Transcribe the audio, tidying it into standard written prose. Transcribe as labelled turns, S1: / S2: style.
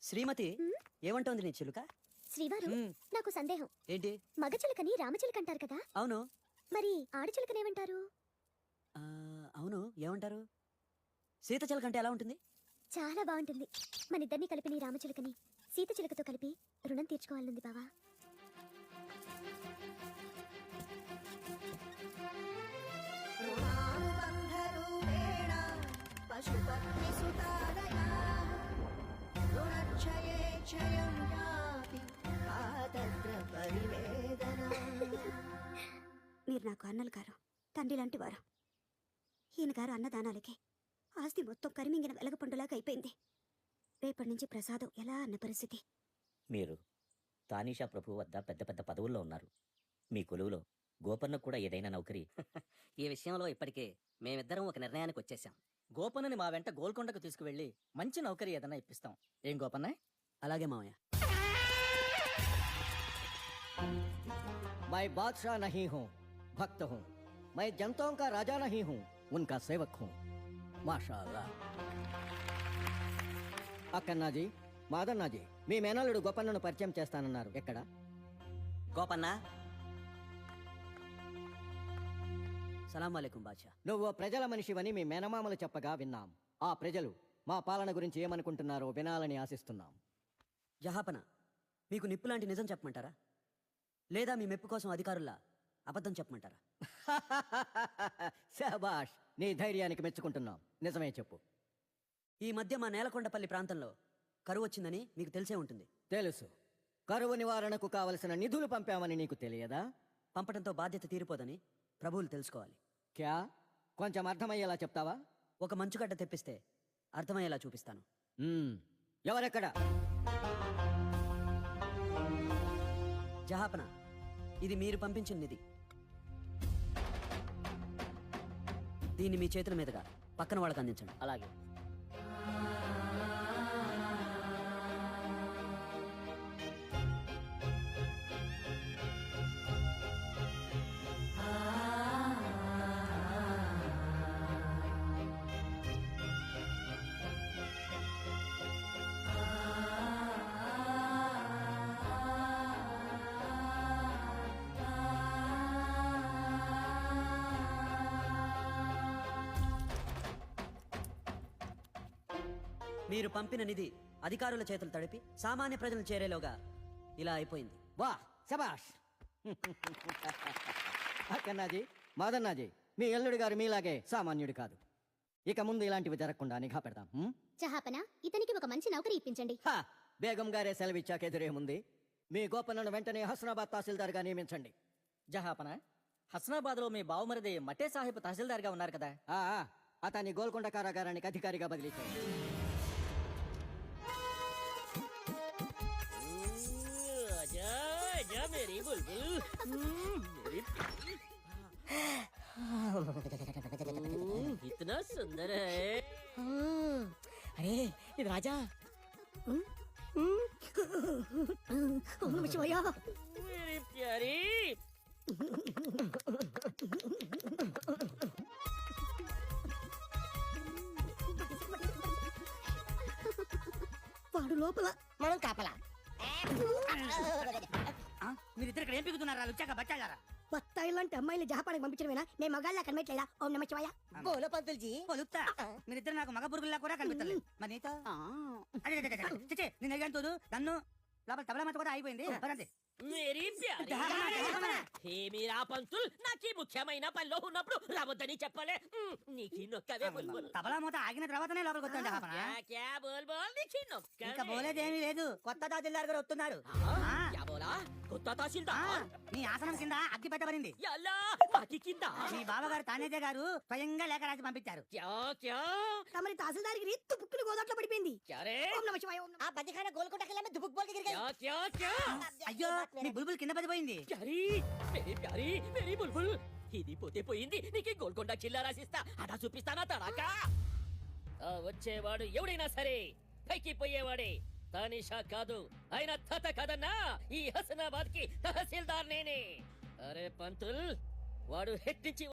S1: శ్రీమతి ఏమంటోంది నీ చిలుక?
S2: శ్రీవారు, నాకు సందేహం.
S1: ఏంటి?
S2: మగ చిలుకని రామచిలుక అంటారు కదా,
S1: అవును.
S2: మరి ఆడచిలుకనేమంటారు?
S1: అవును, ఏమంటారు? సీత చిలుక అంటే ఎలా ఉంటుంది?
S2: చాలా బాగుంటుంది. మన ఇద్దరిని కలిపి నీ రామచిలుకని సీత చిలుకతో కలిపి రుణం తీర్చుకోవాలనుంది బావా. మీరు నాకు అన్నలు గారు, తండ్రి లాంటి వారు. ఈయన గారు అన్నదానాలకి ఆస్తి మొత్తం కరిమింగిన వెలగపండులాగా అయిపోయింది. రేపటి నుంచి ప్రసాదం ఎలా అన్న పరిస్థితి.
S3: మీరు తానీషా ప్రభు వద్ద పెద్ద పెద్ద పదవుల్లో ఉన్నారు. మీ కొలువులో గోపన్నకు కూడా ఏదైనా నౌకరీ?
S4: ఈ విషయంలో ఇప్పటికే మేమిద్దరం ఒక నిర్ణయానికి వచ్చేసాం. గోపన్నని మా వెంట గోల్కొండకు తీసుకువెళ్ళి మంచి నౌకరీ ఏదైనా ఇప్పిస్తాం. ఏం గోపన్న?
S1: అలాగే మావయ్య.
S5: मैं बादशाह नहीं हूँ, भक्त हूँ. मैं जनताओं का राजा नहीं हूँ, उनका सेवक हूँ. మాషాల్లా. అక్కన్నాజీ, మాదన్నాజీ, మీ మేనల్లుడు గోపన్నను పరిచయం చేస్తానన్నారు. ఎక్కడ?
S4: గోపన్న,
S1: సలాం వాలేకుం బాద్షా.
S5: నువ్వు ప్రజల మనిషివని మీ మేనమామలు చెప్పగా విన్నాం. ఆ ప్రజలు మా పాలన గురించి ఏమనుకుంటున్నారో వినాలని ఆశిస్తున్నాం.
S1: జహాపన, మీకు నిప్పు లాంటి నిజం చెప్పమంటారా, లేదా మీ మెప్పు కోసం అధికారుల్లా అబద్ధం చెప్పమంటారా?
S5: శభాష్, నీ ధైర్యానికి మెచ్చుకుంటున్నాం. నిజమే చెప్పు.
S1: ఈ మధ్య మా నేలకొండపల్లి ప్రాంతంలో కరువు వచ్చిందని మీకు తెలిసే ఉంటుంది.
S5: తెలుసు. కరువు నివారణకు కావలసిన నిధులు పంపామని నీకు తెలియదా?
S1: పంపడంతో బాధ్యత తీరిపోదని ప్రభువులు తెలుసుకోవాలి.
S5: క్యా? కొంచెం అర్థమయ్యేలా చెప్తావా?
S1: ఒక మంచుగడ్డ తెప్పిస్తే అర్థమయ్యేలా చూపిస్తాను.
S5: ఎవరెక్కడ?
S1: జహాపన, ఇది మీరు పంపించిన నిధి. దీన్ని మీ చేతుల మీదుగా పక్కన వాళ్ళకి అందించండి.
S4: అలాగే.
S1: మీరు పంపిన నిధి అధికారుల చేతులు తడిపి సామాన్య ప్రజలు చేరేలోగా ఇలా అయిపోయింది.
S5: వా, శబాష్. అక్కన్నాజీ, మాదన్నాజీ, మీ ఎల్లుడి గారు మీలాగే సామాన్యుడు కాదు. ఇక ముందు ఇలాంటివి జరగకుండా నిఘా పెడతాం.
S2: జహాపన, ఇతనికి ఒక మంచి నౌకరీ ఇప్పించండి.
S5: బేగం గారే సెలవిచ్చాక ఎదురేముంది. మీ గోపన్నను వెంటనే హస్నాబాద్ తహసీల్దార్గా నియమించండి.
S4: జహాపన, హస్నాబాద్ లో మీ బావమరిది మటే సాహిబ్ తహసీల్దార్గా ఉన్నారు కదా.
S5: అతన్ని గోల్కొండ కారాగారానికి అధికారిగా బదిలీ చేయండి.
S4: मेरी बुलबुल, मेरी इतना सुंदर है.
S6: अरे ये राजा.
S4: मेरी प्यारी.
S6: వాడు లోపల, మనం కాపలా.
S4: మీరిద్దరు ఇక్కడ ఏం పిగుతున్నారా? వచ్చాక బచ్చాగారా?
S6: బత్తాయి లాంటి అమ్మాయిని జహాపానికి పంపించడమేనా? మేము మగాళ్ళ కనిపించలేదా? ఓం నమ శివాయ. బోలో పంతుల్జీ.
S4: పొలుత్తా, మీరిద్దరు నాకు మగ పురుగుల్లా కూడా కనిపించలేదు. మరి నీతో నేను అడిగాను తోడు నన్ను లోపల తబలా మత కూడా అయిపోయింది.
S7: మేరీ మీరా పంతుల్ నాకీ ముఖ్యమైన పనిలో ఉన్నప్పుడు రావద్దని చెప్పలే. నీకి నొక్కవే బుల్బుల్.
S4: తబలా మూత ఆగిన తర్వాతనే లోపలికి వచ్చాను.
S7: క్యా బోల్ బోల్ నీకి నొక్క.
S4: ఇంకా బోలేదేమీ లేదు. కొత్త తహసీల్దార్ గారు వస్తున్నారు.
S7: క్యా బోలా? కొత్త తహసీల్దార్
S4: నీ ఆసనం కింద అగ్గి పెట్టబడింది.
S7: యల్లా అగ్గి కింద
S4: మీ బావగారు తానేజే గారు స్వయంగా లేఖ రాసి పంపించారు.
S7: క్యా క్యా
S6: తమరి తహసీల్దార్కి రీత్తు బుక్కులు గోదాట్లో పడిపోయింది.
S7: క్యా రే?
S6: ఓం నమ శివాయ. ఆ బదిఖాన గోల్కొండకెళ్ళమే దుబుక్ బోల్ గిర్ గయి.
S7: క్యా క్యా క్యా?
S4: అయ్యో, మీ బుల్బుల్ కింద పడిపోయింది.
S7: ప్యారీ, మేరీ ప్యారీ, మేరీ బుల్బుల్. ఇది పోతే పోయింది. నీకు గోల్కొండ కిల్లా రాసిస్తా. అదా చూపిస్తానా తడాకా? వచ్చేవాడు ఎవడైనా సరే పైకి పోయేవాడే. తానిషా కాదు, ఆయన తాత కాదన్నా. ఈ హసనాబాద్ కి తహసీల్దార్ నేనే. అరే పంతుల్, వాడు హెట్టించి